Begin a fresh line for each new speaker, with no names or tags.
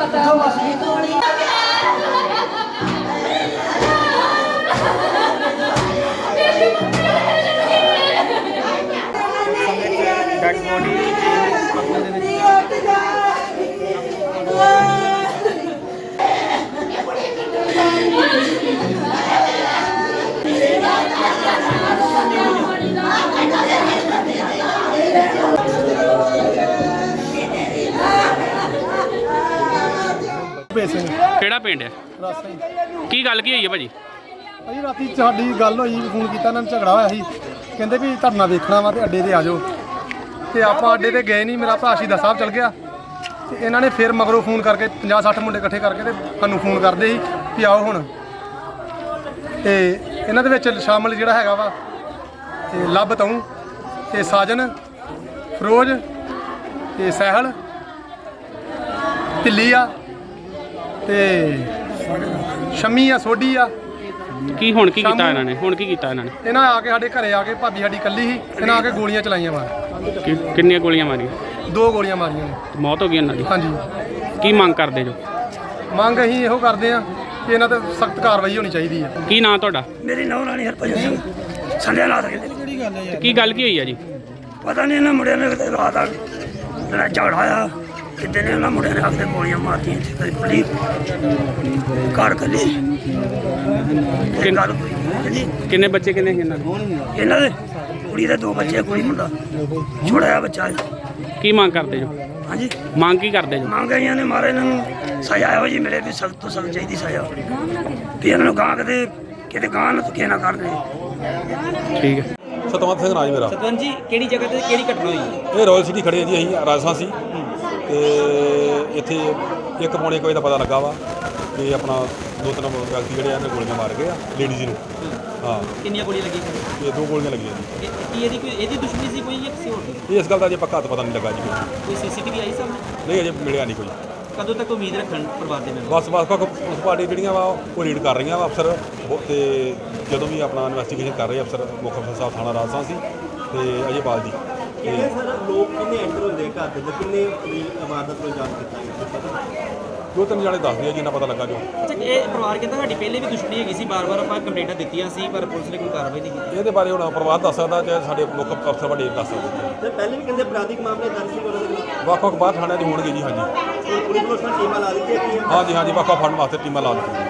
Dead body ਕਿਹੜਾ ਪਿੰਡ ਹੈ? ਕੀ ਗੱਲ ਕੀ ਹੋਈ ਹੈ ਭਾਜੀ?
ਭਾਜੀ ਰਾਤੀ ਸਾਡੀ ਗੱਲ ਹੋਈ, ਫੋਨ ਕੀਤਾ ਇਹਨਾਂ ਨੂੰ, ਝਗੜਾ ਹੋਇਆ ਸੀ। ਕਹਿੰਦੇ ਵੀ ਧਰਨਾ ਵੇਖਣਾ ਵਾ ਤੇ ਅੱਡੇ ਤੇ ਆ ਜਾਓ, ਤੇ ਆਪਾਂ ਅੱਡੇ ਤੇ ਗਏ ਨਹੀਂ। ਮੇਰਾ ਭਰਾ ਸ਼ਹੀਦਾਂ ਸਾਹਿਬ ਚਲ ਗਿਆ ਤੇ ਇਹਨਾਂ ਨੇ ਫਿਰ ਮਗਰੋਂ ਫੋਨ ਕਰਕੇ 50-60 ਮੁੰਡੇ ਇਕੱਠੇ ਕਰਕੇ ਤੇ ਸਾਨੂੰ ਫੋਨ ਕਰਦੇ ਸੀ ਵੀ ਆਓ ਹੁਣ। ਤੇ ਇਹਨਾਂ ਦੇ ਵਿੱਚ ਸ਼ਾਮਲ ਜਿਹੜਾ ਹੈਗਾ ਵਾ ਤੇ ਲੱਭ ਤੂੰ ਤੇ ਸਾਜਨ, ਫਿਰੋਜ਼ ਤੇ ਸਹਿਲ, ਢਿੱਲੀ ਆ ਤੇ ਸ਼ਮੀ ਆ, ਸੋਢੀ ਆ।
ਕੀ ਹੁਣ ਕੀ ਕੀਤਾ ਇਹਨਾਂ ਨੇ? ਹੁਣ ਕੀ ਕੀਤਾ ਇਹਨਾਂ ਨੇ?
ਇਹਨਾਂ ਆ ਕੇ ਸਾਡੇ ਘਰੇ ਆ ਕੇ, ਭਾਬੀ ਸਾਡੀ ਇਕੱਲੀ ਸੀ, ਇਹਨਾਂ ਆ ਕੇ ਗੋਲੀਆਂ ਚਲਾਈਆਂ ਮਾਰ।
ਕਿੰਨੀਆਂ ਗੋਲੀਆਂ ਮਾਰੀਆਂ?
2 ਗੋਲੀਆਂ ਮਾਰੀਆਂ ਨੇ।
ਮੌਤ ਹੋ ਗਈ ਇਹਨਾਂ ਦੀ?
ਹਾਂਜੀ।
ਕੀ ਮੰਗ ਕਰਦੇ ਜੋ?
ਮੰਗ ਅਸੀਂ ਇਹੋ ਕਰਦੇ ਆ ਕਿ ਇਹਨਾਂ ਤੇ ਸਖਤ ਕਾਰਵਾਈ ਹੋਣੀ ਚਾਹੀਦੀ ਹੈ।
ਕੀ ਨਾਂ ਤੁਹਾਡਾ?
ਮੇਰੀ ਨੌਂ ਰਾਣੀ ਹਰਭਜਨ ਸਿੰਘ ਸੰਧਿਆ ਨਾਥ ਕਹਿੰਦੇ।
ਕੀ ਗੱਲ ਕੀ ਹੋਈ ਆ ਜੀ?
ਪਤਾ ਨਹੀਂ ਇਹਨਾਂ ਮੁੰਡਿਆਂ ਨੇ ਕਿਤੇ ਰਾਤ ਆ ਜਿਹੜਾ ਝਗੜਾ ਆਇਆ, ਕਿਤੇ ਨੇ ਉਹਨਾਂ ਮੁੰਡਿਆਂ ਨੇ ਆ ਕੇ ਗੋਲੀਆਂ ਮਾਰਤੀਆਂ ਇੱਥੇ। ਕਦੇ ਪੁਲਿਸ ਘਰ ਕੱਲੀ ਗੱਲ ਹੋਈ ਜੀ।
ਕਿੰਨੇ ਬੱਚੇ ਕਿੰਨੇ ਸੀ ਇਹਨਾਂ ਦੇ?
ਇਹਨਾਂ ਦੇ ਕੁੜੀ ਦੇ 2 ਬੱਚੇ, ਕੁੜੀ ਮੁੰਡਾ ਛੋਟਾ ਜਿਹਾ ਬੱਚਾ ਹੈ।
ਕੀ ਮੰਗ ਕਰਦੇ ਜੋ?
ਹਾਂਜੀ,
ਮੰਗ ਕੀ ਕਰਦੇ ਜੋ?
ਮੰਗ ਆਈਆਂ ਨੇ ਮਾਰੇ ਇਹਨਾਂ ਨੂੰ ਸਜ਼ਾ ਇਹੋ ਜੀ ਮਿਲੇ ਵੀ ਸਖਤ ਤੋਂ ਸਖਤ ਚਾਹੀਦੀ ਸਜ਼ਾ, ਵੀ ਇਹਨਾਂ ਨੂੰ ਗਾਂ ਕਿਤੇ ਗਾਂ ਨਾ ਧੱਕੇ ਨਾ ਕਰਦੇ।
ਠੀਕ ਹੈ।
ਸਤਵੰਤ ਸਿੰਘ ਰਾਜ ਮੇਰਾ।
ਸਤਵੰਤ ਜੀ, ਕਿਹੜੀ ਜਗ੍ਹਾ ਤੇ ਕਿਹੜੀ ਘਟਨਾ ਹੋਈ?
ਇਹ ਰਾਇਲ ਸਿਟੀ ਖੜੇ ਜੀ, ਅਸੀਂ ਰਾਜਸਥਾਨ ਸੀ ਤੇ ਇੱਥੇ 1:45 ਵਜੇ ਦਾ ਪਤਾ ਲੱਗਾ ਵਾ ਕਿ ਆਪਣਾ 2-3 ਵਿਅਕਤੀ ਜਿਹੜੇ ਆ ਨੇ ਗੋਲੀਆਂ ਮਾਰ ਗਏ ਆ ਲੇਡੀਜ਼ ਨੂੰ। ਹਾਂ।
ਕਿੰਨੀਆਂ ਗੋਲੀਆਂ ਲੱਗੀਆਂ?
ਇਹ 2 ਗੋਲੀਆਂ ਲੱਗੀਆਂ ਜੀ।
ਕੀ ਇਹਦੀ ਦੁਸ਼ਮਣੀ ਸੀ ਕੋਈ ਜਾਂ ਕਿਸੇ ਹੋਰ ਦੀ?
ਇਸ ਗੱਲ ਦਾ ਅਜੇ ਪੱਕਾ ਹੱਥ ਪਤਾ ਨਹੀਂ ਲੱਗਾ ਜੀ।
ਕੋਈ ਸੀਸੀਟੀਵੀ ਆਈ ਸਾਹਮਣੇ?
ਨਹੀਂ, ਅਜੇ ਮਿਲਿਆ ਨਹੀਂ ਕੋਈ।
ਕਦੋਂ ਤੱਕ ਉਮੀਦ ਰੱਖਣ ਪਰਿਵਾਰ ਦੇ ਮੈਂਬਰ?
ਬਸ ਪੁਲਿਸ ਪਾਰਟੀ ਜਿਹੜੀਆਂ ਵਾ ਉਹ ਰੀਡ ਕਰ ਰਹੀਆਂ ਵਾ ਅਫਸਰ, ਤੇ ਜਦੋਂ ਵੀ ਆਪਣਾ ਇਨਵੈਸਟੀਗੇਸ਼ਨ ਕਰ ਰਹੇ ਅਫਸਰ, ਮੁੱਖ ਅਫਸਰ ਸਾਹਿਬ ਥਾਣਾ ਰਾਜਸਥਾਨ ਸੀ ਤੇ ਅਜੇ ਬਾਲ ਜੀ।
ਕਿੰਨੇ ਸਰ ਲੋਕ ਕਿੰਨੇ ਐਂਟਰ ਹੁੰਦੇ ਘਰ ਦੇ ਵਿੱਚ, ਕਿੰਨੇ ਇਮਾਰਤ ਨੂੰ ਜਾਣ ਕੀਤਾ ਗਿਆ ਪਤਾ?
2-3 ਜਾਣੇ ਦੱਸਦੇ ਆ, ਜਿੰਨਾ ਪਤਾ ਲੱਗਾ ਜੋ।
ਅੱਛਾ, ਇਹ ਪਰਿਵਾਰ ਕਹਿੰਦਾ ਸਾਡੀ ਪਹਿਲੇ ਵੀ ਦੁਸ਼ਮਣੀ ਹੈਗੀ ਸੀ, ਬਾਰ-ਬਾਰ ਆਪਾਂ ਕੰਪਲੇਂਟਾਂ ਦਿੱਤੀਆਂ ਸੀ ਪਰ ਪੁਲਿਸ ਨੇ ਕੋਈ ਕਾਰਵਾਈ ਨਹੀਂ ਕੀਤੀ।
ਇਹਦੇ ਬਾਰੇ ਹੁਣ ਪਰਿਵਾਰ ਦੱਸ ਸਕਦਾ ਜਾਂ ਸਾਡੇ ਮੁੱਖ ਅਫਸਰ ਵੱਡੇ ਦੱਸ ਸਕਦੇ।
ਤੇ ਪਹਿਲੇ ਵੀ ਕਹਿੰਦੇ ਅਪਰਾਧਿਕ ਮਾਮਲੇ ਦਰਜ ਸੀ ਉਹਨਾਂ ਦੇ ਖਿਲਾਫ।
ਵੱਖ-ਵੱਖ ਬਾਹਰ ਥਾਣਿਆਂ 'ਚ ਹੋਣਗੇ ਜੀ। ਹਾਂਜੀ,
ਪੁਲਿਸ ਵੱਲੋਂ ਟੀਮਾਂ ਲਾ ਦਿੱਤੀਆਂ ਗਈਆਂ।
ਹਾਂਜੀ, ਵੱਖ-ਵੱਖ ਫੜਨ ਵਾਸਤੇ ਟੀਮਾਂ ਲਾ ਦਿੱਤੀਆਂ।